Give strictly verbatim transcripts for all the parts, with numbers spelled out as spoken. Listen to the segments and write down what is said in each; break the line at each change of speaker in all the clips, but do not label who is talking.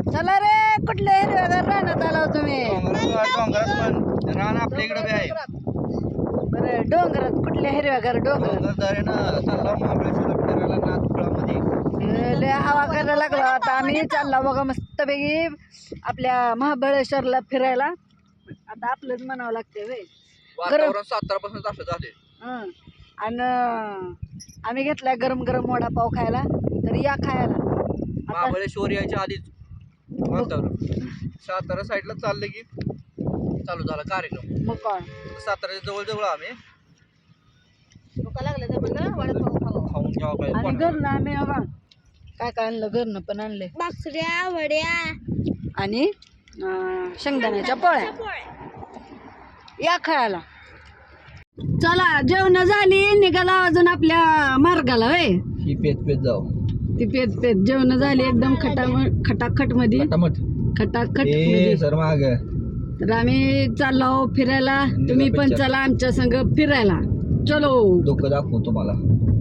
चला रे, कुठले हिरव्यागार रानात आला हो तुम्ही?
डोंगरात पण रान आपल्या इकडे बी आहे.
बरं, डोंगरात कुठल्या हिरव्यागार डोंगरात?
डोंगरदारे ना चालला महाबळेश्वरला फिरायला नाथपुरामध्ये.
लय हवा करायला लागला. आता आम्ही चालला बघा मस्तपैकी आपल्या महाबळेश्वरला फिरायला. आता आपलंच म्हणावं लागते वे
वातावरण सातारा पासून असं झाले.
हं. आणि आम्ही घेतलाय गरम गरम वडापाव खायला. तर या खायला. आता
महाबळेश्वर यायच्या आधीच वातावरण सातारा साईडला चाललं की चालू झाला कार्यक्रम.
मग काय
साताऱ्याच्या जवळ जवळ आम्ही खाऊन घ्यावं
आणि
पाहिजे.
घरनं आम्ही हवा काय काय आणलं, घरनं पण आणले
भाकऱ्या वड्या
आणि अं, शेंगदाण्याच्या पोळ्या. या खायला. चला, जेवण झाली, निघाला अजून आपल्या मार्गाला. होय,
ही पेत पेत जाऊ.
ती पेत पेत जेवण झाली एकदम खटा खटाखट मध्ये खटाखट मध्ये.
सर माग
तर आम्ही चाललो फिरायला. तुम्ही पण चला आमच्या संग फिरायला. चलो.
डोकं दाखवू तुम्हाला.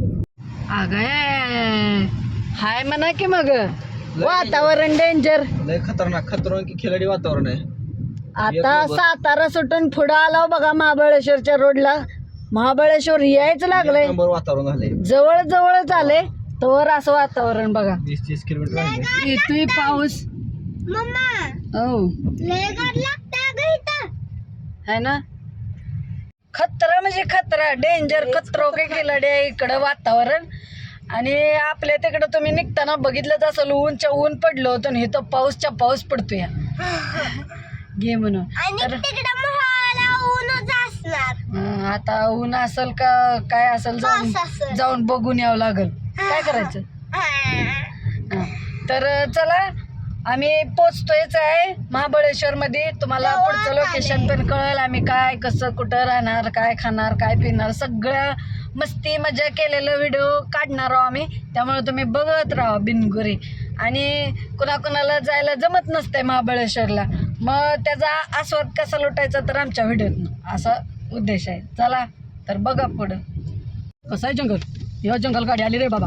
अगं हाय म्हणा की मग वातावरण डेंजर.
लय खतरनाक खतरनाक खिलाडी वातावरण आहे.
आता सातारा सुटून पुढं आला बघा महाबळेश्वरच्या रोडला. महाबळेश्वर यायचं लागलंय,
नंबर वातावरण झालंय.
जवळ जवळच आले तर असं वातावरण बघा.
वीस तीस किलोमीटर
येतोय पाऊस.
मम्मा
हो
लय गाड लागतं ग इथं.
है ना, खतरा म्हणजे खतरा, डेंजर खतरो काय खिलाडी आहे इकडं वातावरण. आणि आपल्या तिकडं तुम्ही निघताना बघितलंच असेल, ऊनच्या ऊन पडलं होतं आणि इथं पाऊसच्या पाऊस पडतोय घे म्हणून.
आणि तिकडे मोहाला ऊनच असणार.
हं, आता ऊन असेल का काय असेल जाऊन
पाऊस असेल.
जाऊन बघून यावं लागल. काय करायचं. हं, तर चला आम्ही पोचतोयच आहे महाबळेश्वर मध्ये. तुम्हाला पुढचं लोकेशन पण कळेल. आम्ही काय कसं कुठं राहणार, काय खाणार, काय पिणार, सगळं मस्ती मजा केलेलं व्हिडिओ काढणार आहोत आम्ही. त्यामुळे तुम्ही बघत राहा बिनगुरी. आणि कुणाकुणाला जायला जमत नसतंय महाबळेश्वरला, मग त्याचा आस्वाद कसा लुटायचा तर आमच्या व्हिडिओत असा उद्देश आहे. चला तर बघा पुढं कसं आहे जंगल. ह्यो जंगल गाडी आली रे बाबा.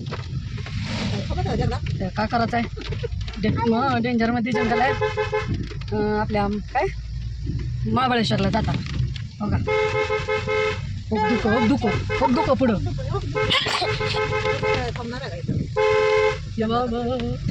तर काय करायचं आहे, डे डेंजरमध्ये जंगल आहे. अं, आपल्या काय महाबळेश्वरला जाता बघा. खूप दुखो खूप दुखो खूप दुखो पुढं. ये बाबा.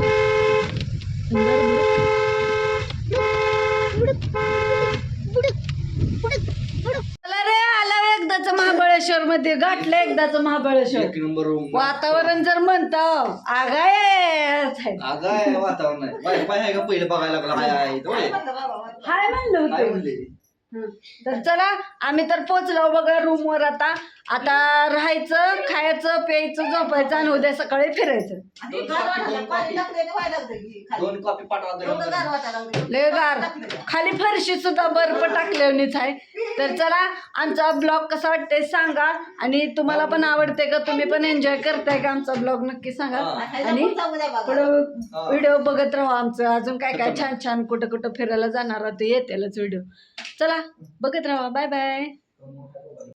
चला रे, आला एकदाच महाबळेश्वर मध्ये, गाठलं एकदाच महाबळेश्वर.
एक नंबर
वातावरण जर म्हणतं आगाय
आगाय वातावरण आहे. बाय बाय आहे का पहिलं बघायला लागला. हाय आहे इथं, होय.
हाय म्हणलं
काय
होतं.
म्हणले
हं. तर चला आम्ही तर पोचलो बघा रूमवर. आता आता राहायचं, खायचं, प्यायचं, झोपायचं आणि उद्या सकाळी फिरायचं.
दोन कॉपी पाठवा.
लय गार, खाली फरशी सुद्धा बर्फ टाकल्यानेच आहे. तर चला आमचा ब्लॉग कसा वाटतंय सांगा. आणि तुम्हाला पण आवडते का, तुम्ही पण एन्जॉय करताय का आमचा ब्लॉग नक्की सांगा. आणि पुढं व्हिडिओ बघत राहा आमचं. अजून काय काय छान छान कुठं कुठं फिरायला जाणार ते येतेलच व्हिडिओ. चला बघत राहा. Bye bye.